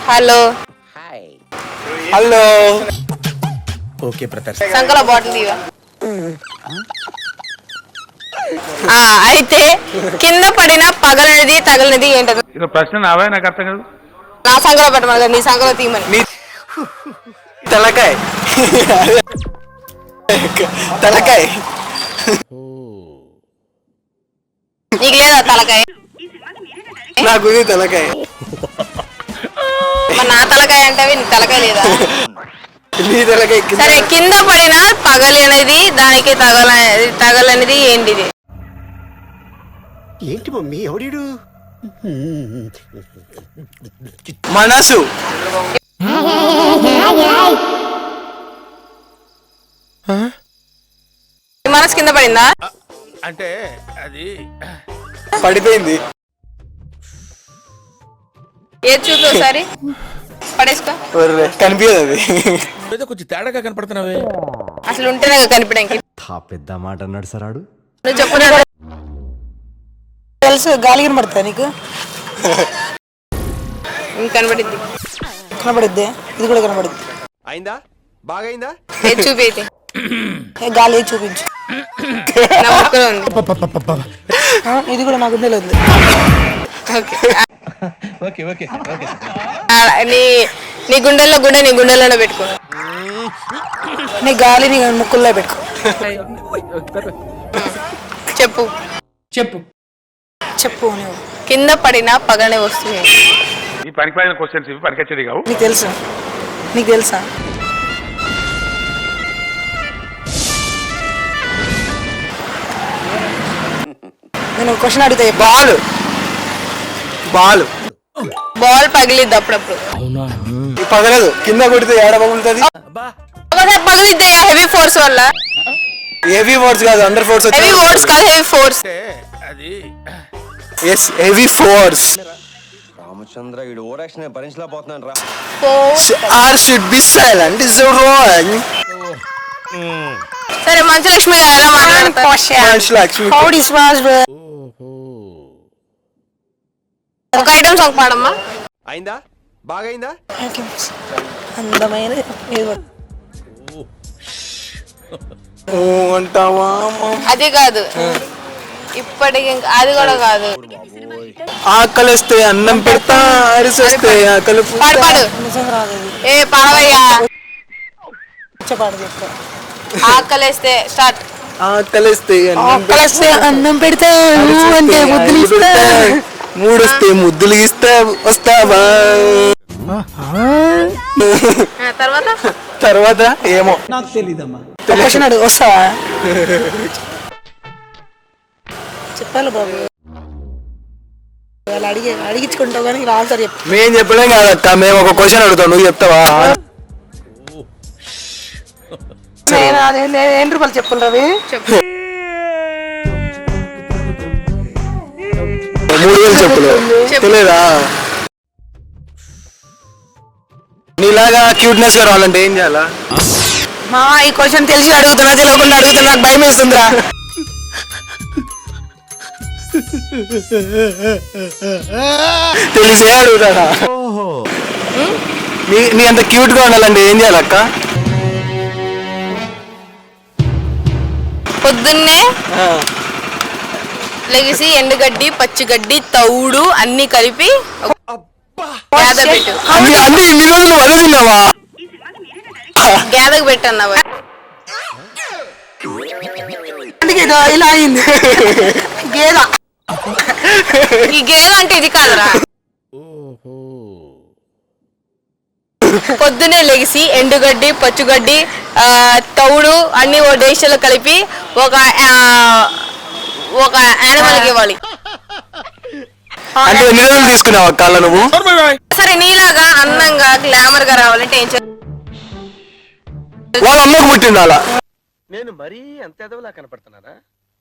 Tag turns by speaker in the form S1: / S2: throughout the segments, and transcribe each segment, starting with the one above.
S1: Hello
S2: hello. Okay brother.
S1: సంకల bottle తీవా. అయితే కింద పడిన పగలనిది తగలనిది ఏంటది?
S3: ప్రశ్న నావే, నాకు అర్థం కాదు.
S1: నా సంకలో పెట్టమని నీ సంకలో తీయమని.
S2: తలకాయ తలకాయ.
S1: నీకు లేదా తలకాయ?
S2: నాకు తలకాయ.
S1: మరి నా తలకాయ అంటే నీ తలకాయ లేదా?
S2: నీ తలకాయ.
S1: సరే, కింద పడిన పగలనిది దానికి తగలనిది ఏంటిది?
S4: ఏంటి మమ్మీ ఎవడీడు?
S2: మనసు.
S1: మనసు కింద పడిందా?
S3: అంటే అది
S2: పడిపోయింది.
S1: ఏది చూపి ఒకసారి. పడేసుకో.
S2: కనిపించదు అది.
S3: ఏదో కొంచెం తేడాగా కనపడుతున్నావే.
S1: అసలు ఉంటేనే కనిపించడానికి.
S4: పెద్ద మాట అన్నాడు సరాడు.
S1: నువ్వు చెప్పు.
S5: తెలుసు, గాలి కనబడుతుందా నీకు?
S1: కనబడిద్ది.
S5: కనబడిద్ది. ఇది కూడా కనబడిద్ది.
S4: అయిందా? బాగైందా?
S1: ఏది చూపి అయితే.
S5: గాలి చూపించు.
S1: నా ముక్కలో ఉంది.
S5: ఇది కూడా నా గుండెలో ఉంది.
S1: నీ గుండెల్లో గుండె నీ గుండెల్లోనే పెట్టుకో.
S5: నీ గాలి నీ ముక్కుల్లో పెట్టుకో.
S1: చెప్పు
S5: చెప్పు చెప్పు. నువ్వు
S1: కింద పడిన పగలనే వస్తుంది.
S3: ఈ పనికిపోయిన క్వశ్చన్స్ ఇవి పనికొచ్చేది కావు.
S5: నీకు తెలుసా? నీకు తెలుసా? నేను క్వశ్చన్ అడిగితే
S2: బాల్. బాల్
S1: బాల్ పగిలిద్ది అప్పుడప్పుడు.
S2: పగలదు. కింద కొడితే ఏడ పగులుతుంది?
S1: పగిలిద్ది హెవీ ఫోర్స్ వల్ల.
S2: హెవీ ఫోర్స్ కాదు, అండర్ ఫోర్స్.
S1: హెవీ ఫోర్స్ కాదు, హెవీ ఫోర్స్.
S3: అది
S2: ఎస్, హెవీ ఫోర్స్.
S4: రామచంద్ర వీడు ఓరాక్షన్ భరించలేకపోతున్నాను రా.
S2: R should be silent is wrong.
S1: సరే, మంచు లక్ష్మి గారు ఎలా మాట్లాడతారు?
S5: How this was, bro?
S1: ఒక ఐటమ్ సాంగ్ పాడమ్మా.
S4: అయిందా? బాగైందా?
S5: అందమైన ఏదో
S2: అంటావా?
S5: అది
S1: కాదు, ఇప్పటికి అది కూడా కాదు.
S2: ఆకలిస్తే అన్నం పెడతా, అరిసేస్తే ఆకలి.
S1: పాడు పాడు.
S5: నిజంగా రాదు.
S1: ఏ పాడవయ్యా.
S5: పాడు చెప్తా.
S1: ఆకలేస్తే స్టార్ట్.
S2: ఆకలిస్తే
S5: అన్నం పెడితే అంటే ముద్దులు ఇస్తా.
S2: మూడొస్తే ముద్దులు ఇస్తా. వస్తావా?
S1: తర్వాత
S2: తర్వాత ఏమో నాకు తెలీదమ్మా.
S5: తెలిసినాడు. వస్తావా? చెప్పాలి బాబు. వాళ్ళు అడిగించుకుంటావు కానీ ఆన్సర్ చెప్పు.
S2: మేం చెప్పలేం కాదక్క, మేము ఒక క్వశ్చన్ అడుగుతాం, నువ్వు చెప్తావా?
S5: ఏం రూపాయలు చెప్పులు రవి?
S2: 3000 చెప్పులు తెలియదా? నీలాగా క్యూట్నెస్ గా రావాలంటే ఏం చేయాలా?
S5: మా ఈ క్వశ్చన్ తెలిసి అడుగుతున్నా, తెలియకుండా అడుగుతున్నా, నాకు భయం వేస్తుందిరా.
S2: తెలిసే అడుగుతాడా? నీ అంత క్యూట్ గా ఉండాలంటే ఏం చేయాలక్క?
S1: పొద్దున్నే లెగిసి ఎండుగడ్డి, పచ్చిగడ్డి, తౌడు అన్ని కలిపి గేదె పెట్టు.
S2: అన్ని ఇన్ని రోజులు అదే తిన్నావా?
S1: గేదకు పెట్టన్నావా?
S5: ఇలా అయింది. గేద.
S1: ఈ గేదె అంటే ఇది కాదురా. పొద్దునే లెగిసి ఎండుగడ్డి, పచ్చుగడ్డి, తౌడు అన్ని ఓ డేషన్లో కలిపి ఒక యానిమల్కి ఇవ్వాలి.
S2: అంటే ఎన్ని రోజులు తీసుకున్నావు అక్క నువ్వు?
S1: సరే, నీలాగా అందంగా గ్లామర్ గా రావాలంటే ఏం చేయాలి?
S2: వాళ్ళ అమ్మకు పుట్టిండాలా?
S4: నేను మరీ అంత ఎదవలా కనపడుతున్నారా?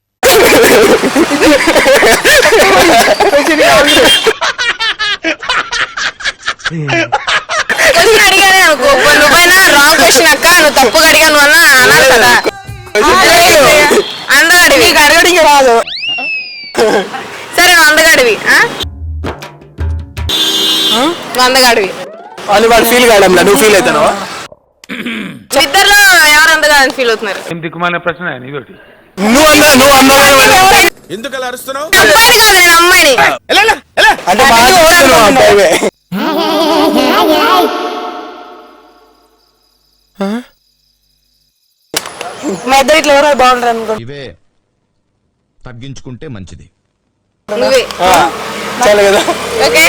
S1: క్వశ్చన్ అడిగానే అనుకో, నువ్వైనా రాంగ్ క్వశ్చన్ అక్క, నువ్వు తప్పుగా అడిగాను అన్న అన్నారు కదా. అందగాడివి
S5: అడగడికి రాదు.
S1: సరే, నువ్వు అందగాడివి. నువ్వు అందగాడివి.
S2: వాళ్ళు వాడు ఫీల్ కావడంలా నువ్వు ఫీల్ అవుతావు
S1: ఇద్దరులో ఎవరు అంతగా ఫీల్ అవుతున్నారు?
S3: ఏం దిక్కుమాలిన ప్రశ్న ఇదొకటి.
S2: నువ్వు అన్నావు
S3: ఎందుకు అలా అరుస్తున్నావు?
S1: అబ్బాయిని కాదు నేను అమ్మాయిని.
S2: అంటే మా చూస్తున్నావు అబ్బాయివే.
S5: మా ఇద్దరు ఇట్లా ఎవరో బాగుంటారు అనుకో.
S6: ఇవే తగ్గించుకుంటే మంచిది.
S1: నువ్వే
S2: చాలు కదా.
S1: ఓకే.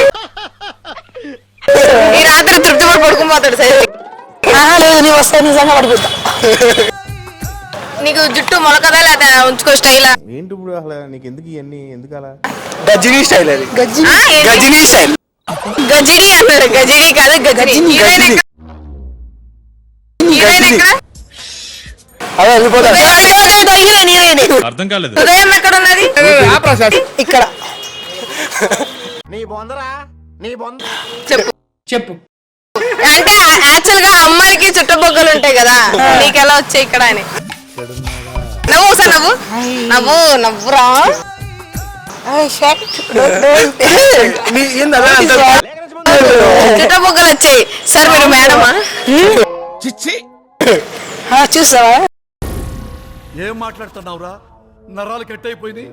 S1: ఈ రాత్రి తృప్తి పడి పడుకుపోతాడు సరే.
S5: లేదు నీ వస్తే నిజంగా పడిపోతా.
S1: నీకు జుట్టు మొలకదా లేదా ఉంచుకో స్టైల్?
S7: ఏంటి ఇప్పుడు అసలు నీకు ఎందుకు ఇవన్నీ ఎందుకు అలా?
S2: గజినీ స్టైల్ అది.
S5: గజ్జి
S2: గజినీ స్టైల్.
S1: గజిని అన్నారు. గజిని కాదు గజిని.
S2: గజిని. గజిని.
S1: ఎక్కడ?
S2: అదే వెళ్ళిపోతా.
S6: అర్థం కాలేదు.
S1: హృదయం ఎక్కడ ఉన్నది?
S5: ఇక్కడ
S1: చెప్పు చెప్పు. అంటే యాక్చువల్ గా అమ్మాయికి చుట్టబొగ్గలు ఉంటాయి కదా, నీకెలా వచ్చాయి ఇక్కడ అని. నవ్వు ఒకసారి నవ్వు. నవ్వు నవ్వురా. చుట్టబొగ్గలు వచ్చాయి సార్. మీరు మేడమా?
S3: చిచ్చి
S5: చూసావా?
S8: ఏం మాట్లాడుతున్నావురా? నరాలు కట్ అయిపోయింది.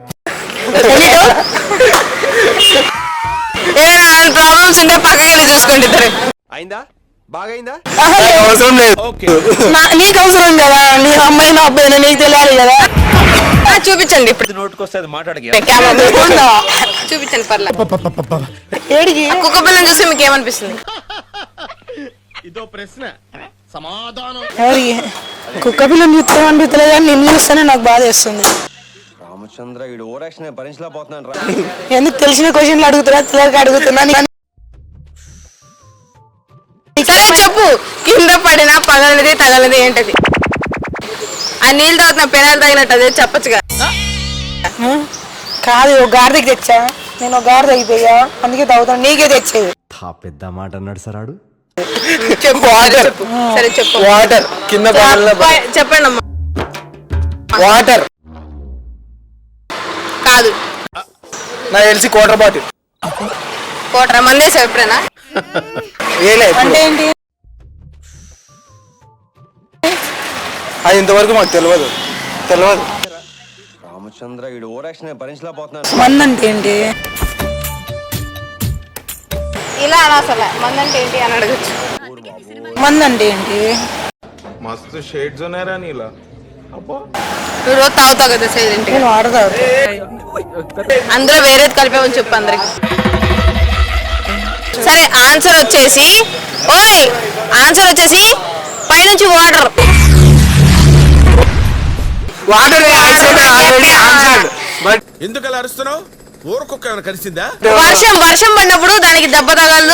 S1: ఏమైనా ప్రాబ్లమ్స్ ఉంటే పక్కకి వెళ్ళి చూసుకోండి ఇద్దరు.
S4: అయిందా? బాగైందా?
S2: అవసరం లేదు.
S5: నీకు అవసరం కదా, నీ అమ్మాయి నా అబ్బాయి నీకు తెలియాలి కదా.
S1: చూపించండి ఇప్పుడు.
S4: నోటుకొస్తే అది మాట్లాడక
S1: కెమెరా చూపించండి పర్లేదు.
S5: ఏడికి
S1: కుక్క పిల్లని చూస్తే మీకు ఏమనిపిస్తుంది?
S6: ఇదో ప్రశ్న సమాధానం.
S5: ఎవరికి కుక్క పిల్లని చూస్తాం అనిపిస్తలేదు కానీ నిన్ను చూస్తేనే నాకు బాధ వేస్తుంది.
S4: రామచంద్ర వీడు ఓరాక్షన్ భరించలేకపోతున్నాను రా.
S5: ఎందుకు తెలిసిన క్వశ్చన్లు అడుగుతున్నా తెలియక అడుగుతున్నా.
S1: సరే చెప్పు. కింద పడినా పగలనిది తగలనిది ఏంటది? ఆ నీళ్ళు తాగుతున్న పెనాలు తగినట్టు అదే చెప్పచ్చుగా.
S5: కాదు ఒక గాడిదకి తెచ్చా, నేను ఒక గాడి తగ్గిపోయా అందుకే తాగుతాను. నీకే తెచ్చేది.
S4: పెద్ద మాట అన్నాడు సార్ ఆడు.
S1: చెప్పు చెప్పు. సరే చెప్పు.
S2: వాటర్ కింద పడాల.
S1: చెప్పండి అమ్మా.
S2: వాటర్
S1: కాదు.
S2: నాకు తెలిసి క్వార్టర్ బాటిల్.
S1: కోటర మందేసావు ఎప్పుడైనా?
S2: ఏలే
S5: అంటే ఏంటి?
S2: అది ఇంతవరకు మాకు తెలియదు.
S4: రామచంద్ర వీడు ఓరాక్షన్ భరించలేకపోతున్నాను.
S5: మంది అంటే ఏంటి?
S1: ఇలా అనసల మందంటే ఏంటి అని అడగచ్చు.
S5: మంది అంటే ఏంటి?
S7: మస్తు షేడ్స్ ఉన్నారా నీలా? అబ్బో
S1: నువ్వు రోజు తాగుతావు కదా సైలెంట్.
S5: నేను వాడతా.
S1: అందులో వేరేది కలిపామని చెప్పు అందరికి. సరే ఆన్సర్ వచ్చేసి పైనుంచి వాటర్.
S2: వాటర్ బట్
S3: ఎందుకు అలా అరుస్తున్నావు? ఊరకొక్క ఏమైనా కలిసిందా?
S1: వర్షం పడినప్పుడు దానికి దెబ్బ తగలదు.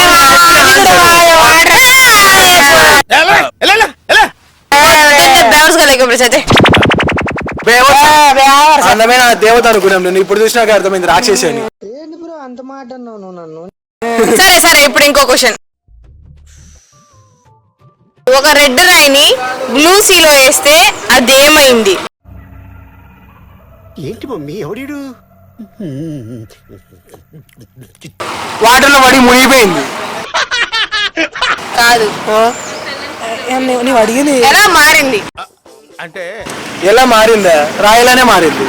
S2: అందమైన దేవత అనుకున్నాం. నేను ఇప్పుడు చూసినాక అర్థమైంది రాక్షసి అని.
S1: సరే ఇప్పుడు ఇంకో క్వశ్చన్. ఒక రెడ్ రాయిని బ్లూ సీలో వేస్తే అదేమైంది?
S8: ఏంటి మమ్మీ ఎవడు?
S2: వాటర్ లో పడి మునిగిపోయింది.
S1: కాదు.
S5: నువ్వు అడిగింది
S1: ఎలా మారింది?
S3: అంటే
S2: ఎలా మారిందా? రాయలానే మారింది.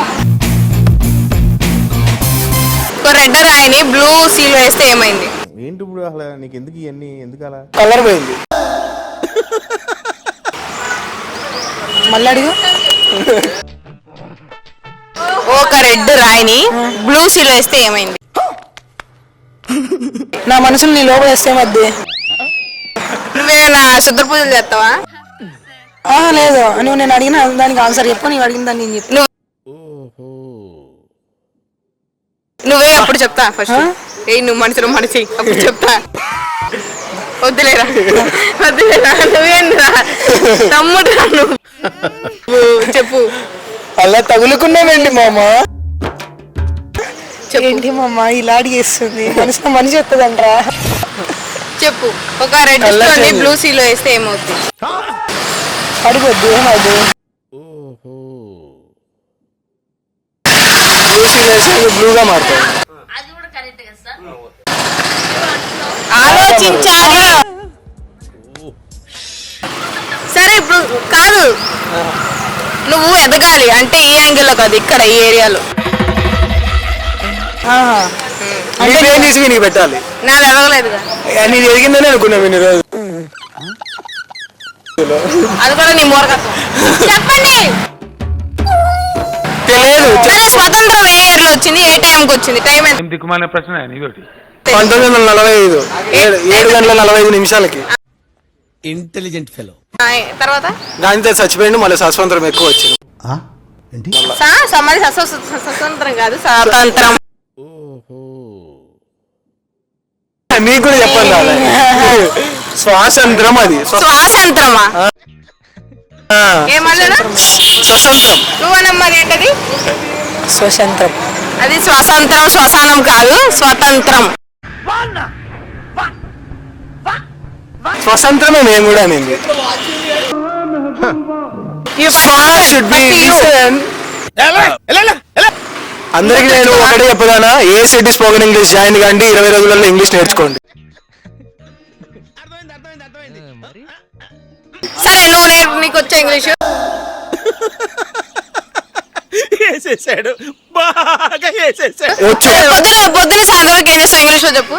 S1: ఒక రెడ్ రాయిని బ్లూ సీలో వేస్తే ఏమైంది?
S7: ఏంటి ఇప్పుడు అసలు నీకు ఎందుకు ఇవన్నీ ఎందుకు అలా?
S2: కలర్ పోయింది.
S5: మళ్ళీ అడిగు.
S1: ఒక రెడ్ రాయిని బ్లూ సీలో వేస్తే ఏమైంది?
S5: నా మనసుని నీ లోపల వేస్తే మధ్య.
S1: నువ్వేనా శుద్ధ పూజలు చేస్తావా?
S5: లేదు నువ్వు నేను అడిగిన దానికి ఆన్సర్ చెప్పు. నీవు అడిగిన దాన్ని నేను చెప్పు.
S1: నువ్వే అప్పుడు చెప్తా. ఫస్ట్ నువ్వు మనిషి అప్పుడు చెప్తా. వద్దులేరా నువ్వేంరా తమ్ముడు నువ్వు చెప్పు.
S2: అలా తగులుకున్నామండి మామ.
S5: ఏంటి మమ్మ ఇలా అడిగేస్తుంది? మనిషి వస్తుందంటరా.
S1: చెప్పు. ఒక రెడ్ స్టోన్ బ్లూ సీలో వేస్తే ఏమవుతుంది?
S5: పడిపోద్దు. ఏమవుతుంది?
S2: బ్లూగా మారుతాయి.
S1: ఆలోచించాలి. సరే ఇప్పుడు కాదు, నువ్వు ఎదగాలి అంటే ఈ యాంగిల్లో కాదు, ఇక్కడ ఈ ఏరియాలో.
S2: నీ పేరు తీసి నీకు పెట్టాలి.
S1: నాది ఎదగలేదుగా,
S2: నీది ఎదిగిందని అనుకున్నా నేను ఈరోజు.
S1: అది కూడా నీ మూర్ఖత్వం. చెప్పండి.
S2: తెలియదు.
S1: సరే, స్వతంత్రం ఏ ఇయర్ లో వచ్చింది, ఏ టైంకి వచ్చింది? టైం ఎంత?
S2: 1945 7:45
S3: ఇంటెలిజెంట్ ఫెలో.
S1: తర్వాత
S2: గాంధీ చచ్చిపోయిండు, మళ్ళీ స్వతంత్రం ఎక్కువ వచ్చింది.
S1: మరి స్వతంత్రం కాదు, స్వాతంత్రం.
S2: మీకు కూడా చెప్పండి రాలే. స్వాతంత్రం అది
S1: స్వాతంత్రమా? ఏమన్నా
S2: స్వతంత్రం.
S1: నువ్వనమ్మది ఏంటది?
S5: స్వతంత్రం.
S1: అది స్వతంత్రం, శ్మశానం కాదు, స్వతంత్రం.
S2: స్వతంత్రమే మేము కూడా అనేది. అందరికి నేను ఒకటే చెప్పదానా, ఏ సిటీ స్పోకెన్ ఇంగ్లీష్ జాయిన్ కండి, 20 రోజులలో ఇంగ్లీష్ నేర్చుకోండి.
S1: సరే, నీకు వచ్చే ఇంగ్లీషు?
S3: వేసేసాడు, బాగా వేసేసాడు.
S2: వచ్చు.
S1: పొద్దున సాయంత్రం వరకు ఏం చేస్తావు ఇంగ్లీష్ లో చెప్పు.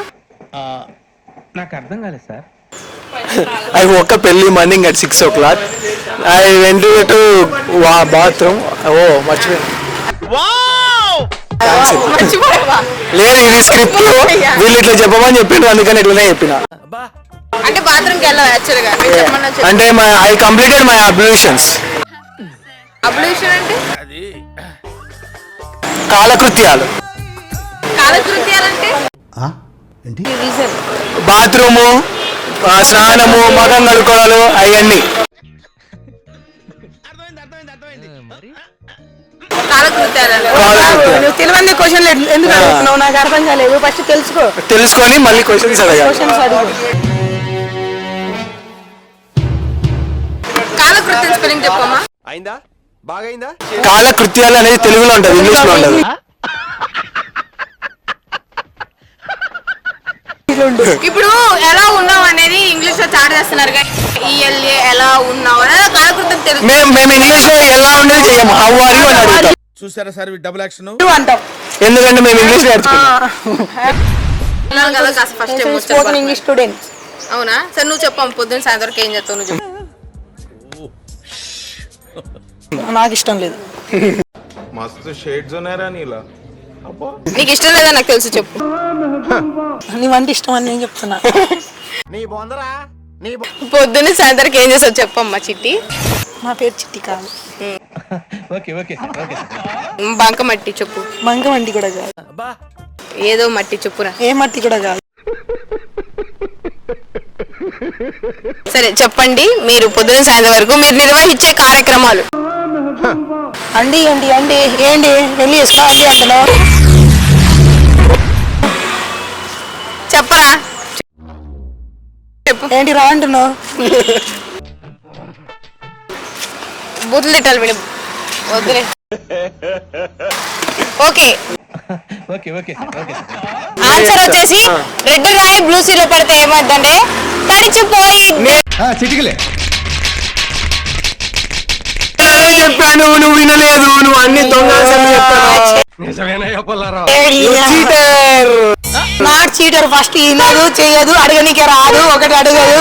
S2: I woke up early morning at 6 o'clock. I went to bathroom. Oh, మర్చిపోయాను.
S1: మర్చిపోయావా?
S2: లేదు, ఇది స్క్రిప్ట్. వీళ్ళు ఇట్లా చెప్పమని చెప్పిండ్రు, అందుకని ఇట్లనే చెప్పిన.
S1: అంటే బాత్రూమ్కి వెళ్ళావు యాక్చువల్ గా?
S2: అంటే I completed my ablutions.
S1: Ablution అంటే
S2: కాలకృత్యాలు.
S1: కాలకృత్యాలంటే
S2: బాత్రూము, స్నానము, మగం కడుకోవడాలు అవన్నీ.
S5: నువ్వు తెలియని క్వశ్చన్ ఎందుకు అడుగుతున్నావు? నాకు అర్థం కాలేదు. ఫస్ట్
S2: తెలుసుకొని మళ్ళీ క్వశ్చన్స్ అడగాలి.
S1: కాలకృత్యం స్పెల్లింగ్ చెప్పమ్మా.
S4: అయిందా? బాగైందా?
S2: కాలకృత్యాలు అనేది తెలుగులో ఉంటది, ఇంగ్లీష్ లో ఉండదు.
S1: ఇప్పుడు ఎలా ఉన్నావు అనేది ఇంగ్లీష్ లో చాట్ చేస్తున్నారు కానీ ఈఎల్ఏ ఎలా ఉన్నావు అనేది కాలకృత్యం తెలుసు.
S2: మేము ఇంగ్లీష్ లో ఎలా ఉండేది చెయ్యము, హౌ ఆర్ యు అని అడుగుతాం.
S3: చూసారా సార్ డబుల్ యాక్షన్?
S5: అంటాం.
S2: ఎందుకంటే మేము ఇంగ్లీష్ నేర్చుకున్నాం.
S5: Spoken English student.
S1: అవునా? సరే, నువ్వు చెప్పాము పొద్దున్న సాయంత్రం వరకు ఏం చేస్తావు నువ్వు చెప్పు.
S5: నాకు ఇష్టం లేదు.
S7: మస్తు షేడ్స్ ఉన్నాయరా నీలా. అబ్బా,
S1: నీకు ఇష్టం లేదా నాకు తెలుసు, చెప్పు.
S5: నీవంటే ఇష్టం అని నేను చెప్తున్నా.
S1: పొద్దున్న సాయంత్రం ఏం చేస్తావు చెప్పమ్మా చిట్టి.
S5: నా పేరు చిట్టి కాదు.
S1: బంక మట్టి చెప్పు.
S5: మంగ వంటి కూడా కాదు.
S1: ఏదో మట్టి చెప్పురా.
S5: ఏ మట్టి కూడా కాదు.
S1: సరే చెప్పండి, మీరు పొద్దున సాయంత్రం వరకు మీరు నిర్వహించే కార్యక్రమాలు.
S5: అండి అండి అండి ఏంటి వెళ్ళి వేసుకో అండి అంటున్నావు.
S1: చెప్పరా, చెప్పు.
S5: ఏంటి రా అంటున్నావు.
S1: బూతులు తిట్టాలి విను, వద్దులే. ఓకే, ఆన్సర్ వచ్చేసి రెడ్ రాయి బ్లూ సీలో పడితే ఏమవుతుందంటే తడిచిపోయి.
S6: చిటికలే
S2: చెప్పాను, నువ్వు వినలేదు. నువ్వు అన్ని దొంగ
S5: నాట్ చీటర్. ఫస్ట్ వినదు, చెయ్యదు, అడగనికే రాదు, ఒకటి అడగదు.